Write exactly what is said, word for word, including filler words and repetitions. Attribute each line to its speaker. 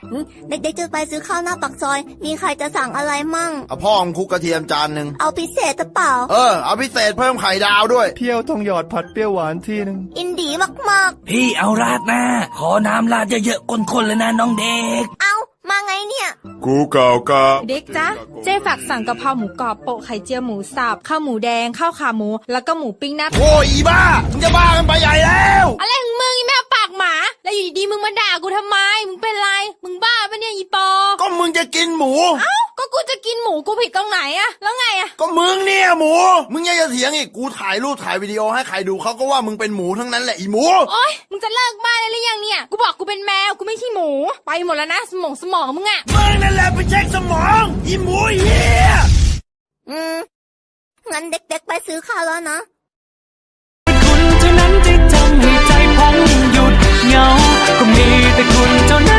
Speaker 1: เด็กๆจะไปซื้อข้าวหน้าปากซอยมีใครจะสั่งอะไรมั่ง
Speaker 2: เอาพ่อของคุกกระเทียมจานหนึ่ง
Speaker 1: เอาพิเศษหรือเปล่า
Speaker 2: เออเอาพิเศษเพิ่มไข่ดาวด้วย
Speaker 3: เพียวทองหยอดผัดเปรี้ยวหวานที่นึง
Speaker 1: อินดีมาก
Speaker 4: ๆพี่เอาราดหน้าขอน้ำราดเยอะๆข้นๆเลยนะน้องเด็ก
Speaker 1: เอามาไงเนี่ย
Speaker 2: กูเก่ากะ
Speaker 5: เด็กจ๊ะเจ๊ฝากสั่งกะเพราหมูกรอบโปะไข่เจียวหมูสับข้าวหมูแดงข้าวขาหมูแล้วก็หมูปิ้งหน้า
Speaker 2: โอ้ยอีบ้ามึงจะบ้ากันไปใหญ่แล้ว
Speaker 5: อะไรของมึงอีแม่ปากหมาแล้วอยู่ดีๆมึงมาด่ากูทำไมมึงเป็นไรมึงบ้าปะเนี่ยอีปอ
Speaker 2: ก็มึงจะกินหมู
Speaker 5: เอ้าก็กูจะกินหมูกูผิดตรงไหนอะแล้วไงอะ
Speaker 2: ก็มึงเนี่ยหมูมึงยังจะเถียงอีกกูถ่ายรูปถ่ายวิดีโอให้ใครดูเขาก็ว่ามึงเป็นหมูทั้งนั้นแหละอีหมู
Speaker 5: โอ๊ยมึงจะเลิกบ้าได้หรือยังเนี่ยกูบอกกูเป็นแมวกูไม่ใช่หมูไปหมดแล้วนะสมองสมองมึงอะ
Speaker 2: มึงนั่นแหละไปเช็คสมองอีหมูเหี้ย
Speaker 1: อืมงั้นเด็กๆไปซื้อข้าวแล้วนะ
Speaker 6: คุณเท่านั้นที่ทำให้ใจผมหยุดเหงาก็มีแต่คุณเท่านั้น